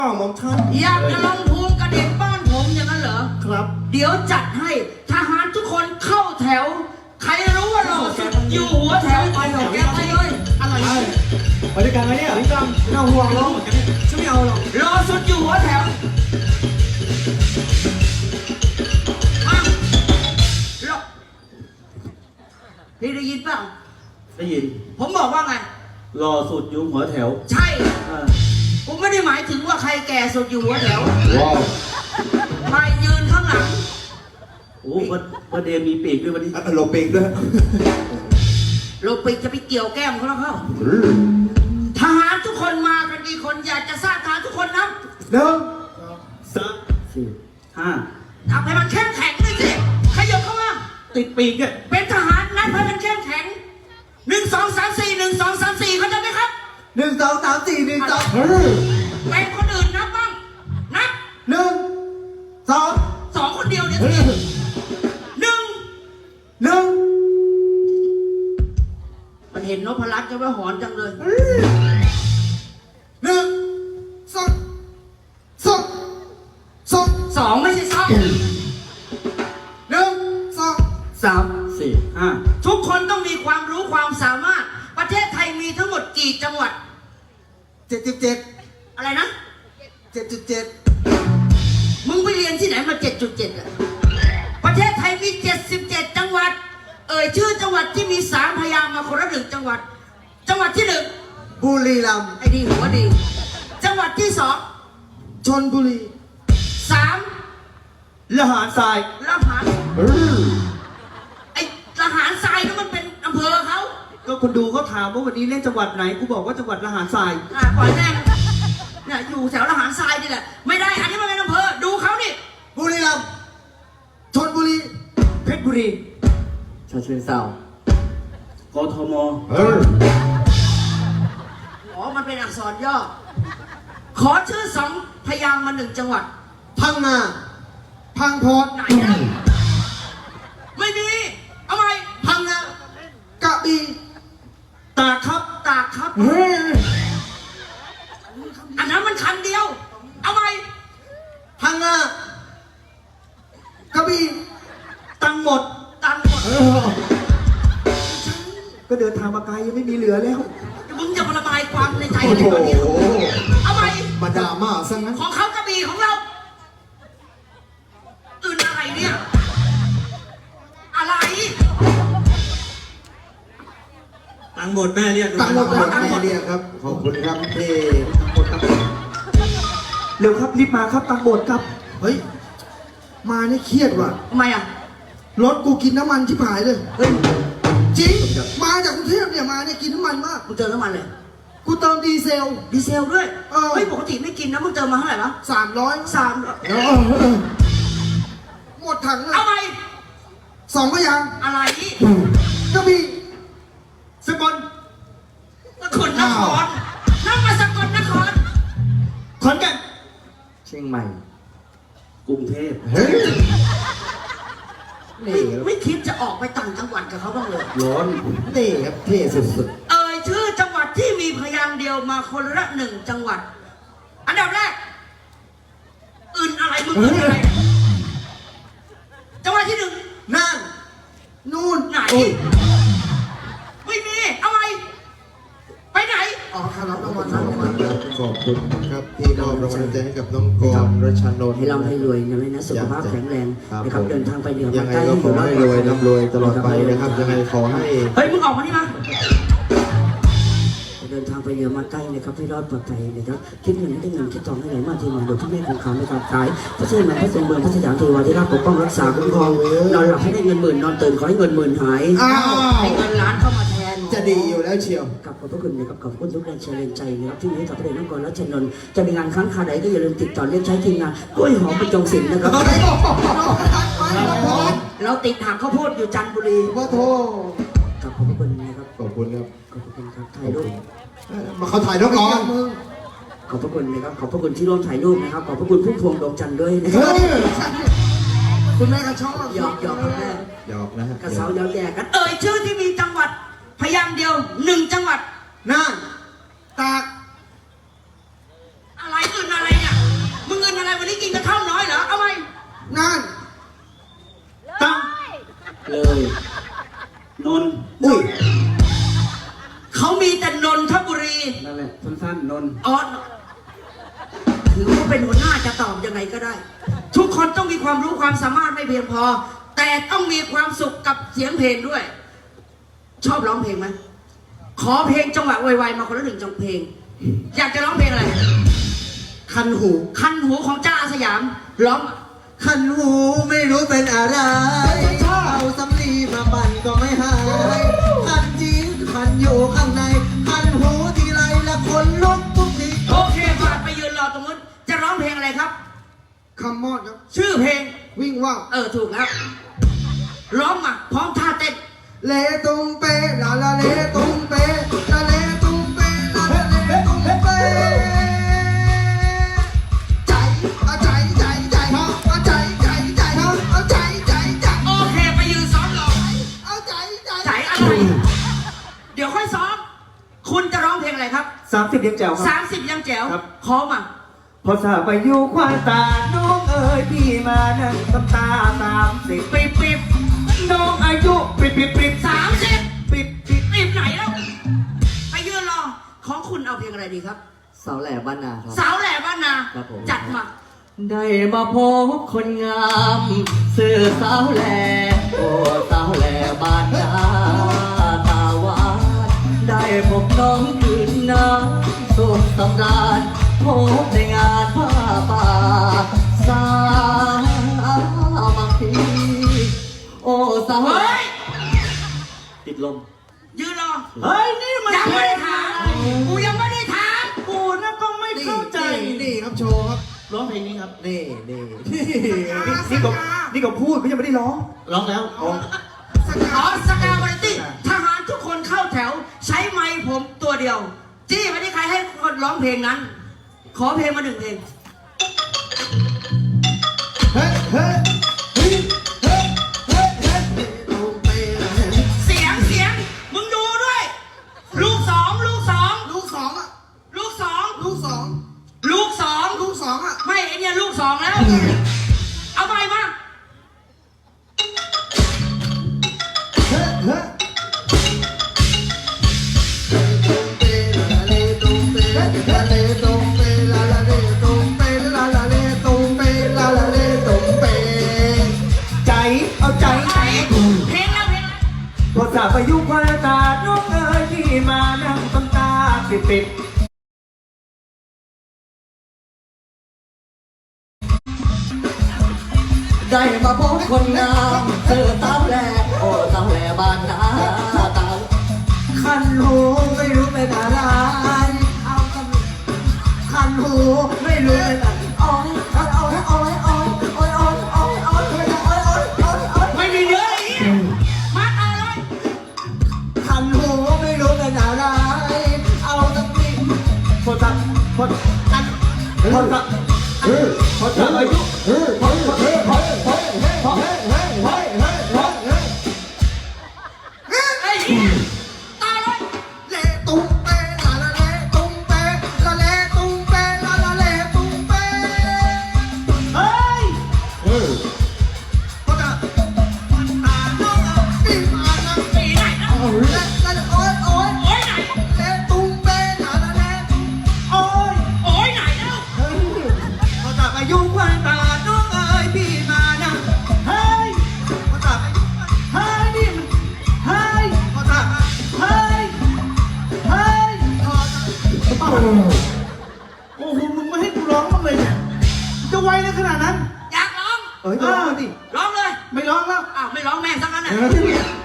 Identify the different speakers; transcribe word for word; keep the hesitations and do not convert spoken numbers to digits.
Speaker 1: หม่อมฉัน
Speaker 2: อยากจะลงภูมิกระเด็นบ้านผมอย่างนั้นเหรอ
Speaker 1: ครับ
Speaker 2: เดี๋ยวจัดให้ทหารทุกคนเข้าแถวใครรู้ว่าเราอยู่หัวแถวไปหรอกแกไปเลยอะไร
Speaker 1: ไปด้วยกันไหมเนี่ยพี่ตั้มไม่ต้องห่วงหรอกฉันไม่เอาหรอก
Speaker 2: รอสุดอยู่หัวแถวมาหรอพี่ได้ยินเปล่า
Speaker 1: ได้ยิน
Speaker 2: ผมบอกว่าไง
Speaker 1: รอสุดอยู่หัวแถว
Speaker 2: ใช่ผมไม่ได้หมายถึงว่าใครแก่สุดอยู่หัวแถว
Speaker 1: ว้าว
Speaker 2: ใครยืนข้างหลัง
Speaker 1: โอ้วันวันเดย์มีปีกด้วยวันนี้โลปีกด้วย
Speaker 2: โลปีกจะไปเกี่ยวแก้มเขาแล้วเข้าทหารทุกคนมากันกี่คนอยากจะทราบทหารทุกคนนะ
Speaker 1: หนึ่งสามสี่ห้า
Speaker 2: ทำให้มันเข้มแข็งเลยสิขยับเข้ามา
Speaker 1: ติดปีกเนี่ย
Speaker 2: เป็นทหารนัดให้มันเข้มแข็งหนึ่งสองสามสี่หนึ่งสองสามสี่เข้าใจไหมครับ
Speaker 1: หนึ่งสองสามสี่หนึ่งสอง
Speaker 2: เป็นคนอื่นนับบ้างนับ
Speaker 1: หนึ่งสอง
Speaker 2: สองคนเดียวเนี่ยหนึ่ง
Speaker 1: หนึ่ง
Speaker 2: มันเห็นนพรัตน์จะว่าหอนจังเลย
Speaker 1: หนึ่งสองสองสอง
Speaker 2: สองไม่ใช่สอง
Speaker 1: หนึ่งสองสามสี่ห้า
Speaker 2: ทุกคนต้องมีความรู้ความสามารถประเทศไทยมีทั้งหมดกี่จังหวัด
Speaker 1: เจ็ดสิบเจ็ด
Speaker 2: อะไรนะ
Speaker 1: เจ็ดจุดเจ็ด
Speaker 2: มึงไปเรียนที่ไหนมาเจ็ดจุดเจ็ดอะประเทศไทยมีเจ็ดสิบเจ็ดจังหวัดเอ่ยชื่อจังหวัดที่มีสามพยางค์มาคนละหนึ่งจังหวัดจังหวัดที่หนึ่ง
Speaker 1: บุรีรัมย์
Speaker 2: ไอ้ดีหัวดีจังหวัดที่สอง
Speaker 1: ชลบุรี
Speaker 2: สาม
Speaker 1: ละหารทราย
Speaker 2: ละหารไอ้ละหารทรายนั่นมันเป็นอำเภอเขา
Speaker 1: ก็คนดูเขาถามว่าวันนี้เล่นจังหวัดไหนกูบอกว่าจังหวัดละหารทราย
Speaker 2: อ่าปล่อยแม่เนี่ยอยู่แถวละหารทรายนี่แหละไม่ได้อันนี้มันเป็นอำเภอดูเขาดิ
Speaker 1: บุรีรัมย์ชลบุรีเพชรบุรีฉะเชิงเทรากทมเออ
Speaker 2: อ๋อมันเป็นอักษรย่อขอชื่อสองพยางค์มาหนึ่งจังหวัด
Speaker 1: พังงาพังพอด
Speaker 2: ไหนนะไม่มีเอาไหม
Speaker 1: พังงากระบี่ตากครับ
Speaker 2: ตากครับอันนั้นมันคำเดียวเอาไหม
Speaker 1: พังงากระบี่ตังหมด
Speaker 2: ตังหมด
Speaker 1: ก็เดินทางมาไกลยังไม่มีเหลือแล้ว
Speaker 2: มึงจะมาระบายความในใจอะไรตอนนี้เอาไหม
Speaker 1: มาด่ามาซะงั้น
Speaker 2: ของเขากระบี่ของเราอื่นอะไรเนี่ยอะไร
Speaker 1: ตังหมดแม่เรียก
Speaker 3: ตังหมดแม่เรียกครับขอบคุณครับที่
Speaker 1: ตังหมดครับเร็วครับรีบมาครับตังหมดครับ
Speaker 3: เฮ้ยมาเนี่ยเครียดว่ะ
Speaker 2: ทำไมอ่ะ
Speaker 3: รถกูกินน้ำมันชิบหายเลย
Speaker 2: เฮ้ย
Speaker 3: จริงมาจากกรุงเทพเนี่ยมาเนี่ยกินน้ำมันมาก
Speaker 2: มึงเติมน้ำมันเลย
Speaker 3: กูเติมดีเซล
Speaker 2: ดีเซลด้วยเฮ้ยปกติไม่กินนะมึงเติมมาเท่าไหร่วะ
Speaker 3: สามร้อย
Speaker 2: สาม
Speaker 3: หมดถังเลย
Speaker 2: เอาไป
Speaker 3: สองพยาง
Speaker 2: อะไร
Speaker 3: กระบี่
Speaker 1: สกล
Speaker 2: สกลนครนั่งมาสกลนคร
Speaker 1: ขอนแก่นเชียงใหม่กรุงเทพเฮ้ย
Speaker 2: ไม่ไม่คิดจะออกไปต่างจังหวัดกับเขาบ้างเลย
Speaker 1: ร้อนนี่ครับเท่สุด
Speaker 2: ๆเอ่ยชื่อจังหวัดที่มีพยางค์เดียวมาคนละหนึ่งจังหวัดอันดับแรกอื่นอะไรมึงอื่นอะไรจังหวัดที่หนึ่ง
Speaker 1: น่าน
Speaker 3: นู่น
Speaker 2: ไหนไม่มีเอาไงไปไหน
Speaker 3: อ๋อครับรางวัลรางวัลขอบคุณครับที่มอบรางวัลใจให้กับน้องกรณ์รัชนนท์
Speaker 2: ให้ร่ำให้รวยนะแม่นะสุขภาพแข็งแรงนะครับเดินทางไปเหนือ
Speaker 3: ยังไงก็ขอให้รวยร่ำรวยตลอดไปนะครับยังไงขอให้
Speaker 2: เฮ้ยมึงออกมานี่มาเดินทางไปเหนือมาใกล้นะครับให้รอดปลอดภัยนะครับคิดเงินให้ได้เงินคิดทองให้ไหลมาเทมาโดยที่แม่คงคำในการขายพระเจ้าแม่พระทรงเมืองพระสยามเทวาธิราชปกป้องรักษาคุ้มครองนอนหลับให้ได้เงินหมื่นนอนตื่นขอให้เงินหมื่นหายให้เงินล้านเข้ามาแทน
Speaker 3: จะดีอยู่แล้วเชียว
Speaker 2: กับขอบพระคุณนะครับขอบคุณทุกแรงเชียร์แรงใจนะครับที่นี้กับพระเดชน้องกรณ์รัชนนท์จะมีงานครั้งคาใดก็อย่าลืมติดต่อเรียกใช้ทีมงานกล้วยหอมประจงศิลป์นะครับเราติดหางข้าวโพดอยู่จันทบุรี
Speaker 3: ว่าโท
Speaker 2: กับขอบพระคุณนะครับ
Speaker 3: ขอบคุณครับ
Speaker 2: ขอบคุณครับถ่ายรูป
Speaker 3: มาเขาถ่ายรูปก่อน
Speaker 2: ขอบพระคุณนะครับขอบพระคุณที่ร่วมถ่ายรูปนะครับขอบพระคุณพุ่มพวงดวงจันทร์ด้วยนะครับ
Speaker 3: คุณแม่ก็ชอบ
Speaker 2: หยอกหยอกคุณแม่
Speaker 3: หยอกนะ
Speaker 2: กระเซาเย้าแย่กันเอ่ยชื่อที่มีจังหวัดพยางค์เดียวหนึ่งจังหวัด
Speaker 1: น่านตาก
Speaker 2: อะไรอื่นอะไรเนี่ย
Speaker 3: นั่น
Speaker 1: ตั้ง
Speaker 2: เลย
Speaker 1: นนท์อุ้ย
Speaker 2: เขามีแต่นนทบุรี
Speaker 1: นั่นแหละสั้นๆนนท์
Speaker 2: อ๋อถือว่าเป็นหัวหน้าจะตอบยังไงก็ได้ ทุกคนต้องมีความรู้ความสามารถไม่เพียงพอ แต่ต้องมีความสุขกับเสียงเพลงด้วย ชอบร้องเพลงไหมขอเพลงจังหวะไวๆมาคนละหนึ่งจังเพลง อยากจะร้องเพลงอะไร
Speaker 3: คันหู
Speaker 2: คันหูของจ้าอาสยามร้อง
Speaker 3: คันหูไม่รู้เป็นอะไรเอาสำลีมาปั่นก็ไม่หายคันจริงคันอยู่ข้างในคันหูทีไรละคนลุกทุกที
Speaker 2: โอเคฝากไปยืนรอตรงนู้นจะร้องเพลงอะไรครับ
Speaker 3: คำมอดครับ
Speaker 2: ชื่อเพลง
Speaker 3: วิ่งว่าว
Speaker 2: เออถูกแล้วร้องมาพร้อมท่าเต้น
Speaker 3: เลตุงเปลาลาเลตุงเปลาเลตุงเปลาลาเลตุงเปใจเอาใจใจใจเอาเอาใจใจใจเอาเอาใจใจใจ
Speaker 2: โอเคไปยืนซ้อมรอ
Speaker 3: เอาใจใจ
Speaker 2: ใจอะไร เดี๋ยวค่อยซ้อม คุณจะร้องเพลงอะไรครับ
Speaker 1: สามสิบยังแจ๋วครับ
Speaker 2: สามสิบยังแจ๋ว
Speaker 1: ครับ
Speaker 2: ขอมา
Speaker 1: พอสาไปอยู่ควานตา น้องเอ๋ยพี่มานั่งตำตาสามสิบ
Speaker 2: ปิบปิบ
Speaker 1: น้องอายุปิดปิดปิด
Speaker 2: สามสิบ
Speaker 1: ปิดปิด
Speaker 2: ปิบไหนแล้วไปยืนรอ ของคุณเอาเพลงอะไรดีครับ
Speaker 1: สาวแหล่บ้านนาครับ
Speaker 2: สาวแหล่บ้านนา
Speaker 1: ครับผม
Speaker 2: จัดมา
Speaker 1: ได้มาพบคนงามสื่อสาวแหล่โอ้สาวแหล่บ้านนาตาหวานได้พบน้องคืนน้ำสุขสำราญพบในงานผ้าป่าสามัคคีโอ้สาว
Speaker 2: เฮ้ย
Speaker 1: ติดลม
Speaker 2: ยืนรอ
Speaker 1: เฮ้ย นี่มัน
Speaker 2: ยังไม่ได้ถามกูยังไม่ได้ถาม
Speaker 1: กูนะก็ไม่เข้าใจ
Speaker 3: นี่ครับโชว์ครับ
Speaker 1: ร้องเพลงนี้ครับ
Speaker 3: นี่นี่
Speaker 1: นี่นี่ก็นี่ก็พูดก็ยังไม่ได้ร้อง ร้องแล้ว
Speaker 2: อ๋อสกาวาไรตี้ทหารทุกคนเข้าแถว ใช้ไม้ผมตัวเดียว จี้ไม่ได้ใครให้คนร้องเพลงนั้น ขอเพลงมาหนึ่งเพลง
Speaker 3: เฮ้ยเฮ้ยเฮ้ยเฮ้ยเฮ้ยเฮ้ยตุงเปลาเล
Speaker 2: เสียงเสียง มึงดูด้วย ลูกสองลูกสอง
Speaker 3: ลูกสองอ่ะ
Speaker 2: ลูกสอง
Speaker 3: ลูกสอง
Speaker 2: ลูกสอง
Speaker 3: ลูกสองอ่ะ
Speaker 2: ไม่ไอเนี่ยลูกสองแล้ว เอาไปมา
Speaker 3: เฮ้ยเฮ้ยตุงเปลาเลตุงเปลาเลตุงเปลาลาเลตุงเปลาลาเลตุงเป
Speaker 1: ใจเอาใจ
Speaker 2: ไหนเพลงแล้วเพลงแล้ว
Speaker 1: พอจากไปยุควายตาน้องเอ๋ยพี่มานั่งตำตาปิดปิดได้มาพบคนงามเจอสาวแหล่โอ้สาวแหล่บ้านนาตา
Speaker 3: คันหูไม่รู้เป็นอะไรเอากันคันหูไม่รู้เป็นอะไรโอ้ยโอ้ยโอ้ยโอ้ยโอ้ยโอ้ยโอ้ยโอ้ยโอ้ยโอ้ยโอ้ยโอ้ยโอ้ย
Speaker 2: ไม่มีเนื้ออีกมาต่อเลย
Speaker 3: คันหูไม่รู้เป็นอะไรเอาสักที
Speaker 1: พอจากพอจากพอจากพอจากอายุพอพอพอพอพอ
Speaker 2: ไอ้ยต่อเลย
Speaker 3: เลตุ้งเปลาลาเลตุ้งเปลาเลตุ้งเปลาลาเลตุ้งเป
Speaker 1: เฮ้ย
Speaker 3: ก็จะตาโน้ปีมานะ
Speaker 2: ปีไหนนะ
Speaker 3: โอ้ยโอ้ยโอ้ย
Speaker 2: โอ้ยไหน
Speaker 3: เลตุ้งเปลาลาเล
Speaker 1: โอ้ย
Speaker 2: โอ้ยไหนแล้ว
Speaker 1: พอจากอายุควายตาน้องเอ๋ยพี่มานั่งเฮ้ย
Speaker 3: ก็จะ
Speaker 1: เฮ้ยนี่มันเฮ้ย
Speaker 3: ก็จะ
Speaker 1: เฮ้ย เฮ้ย โอ้โห มึงไม่ให้กูร้องบ้างเลยเนี่ย จะไวในขนาดนั้น
Speaker 2: อยากร้อง
Speaker 1: เอ้ยร้องดิ
Speaker 2: ร้องเลย
Speaker 1: ไม่ร้องแล้ว
Speaker 2: อ้าวไม่ร้องแม่งทั้งนั้นน่ะ
Speaker 1: เออ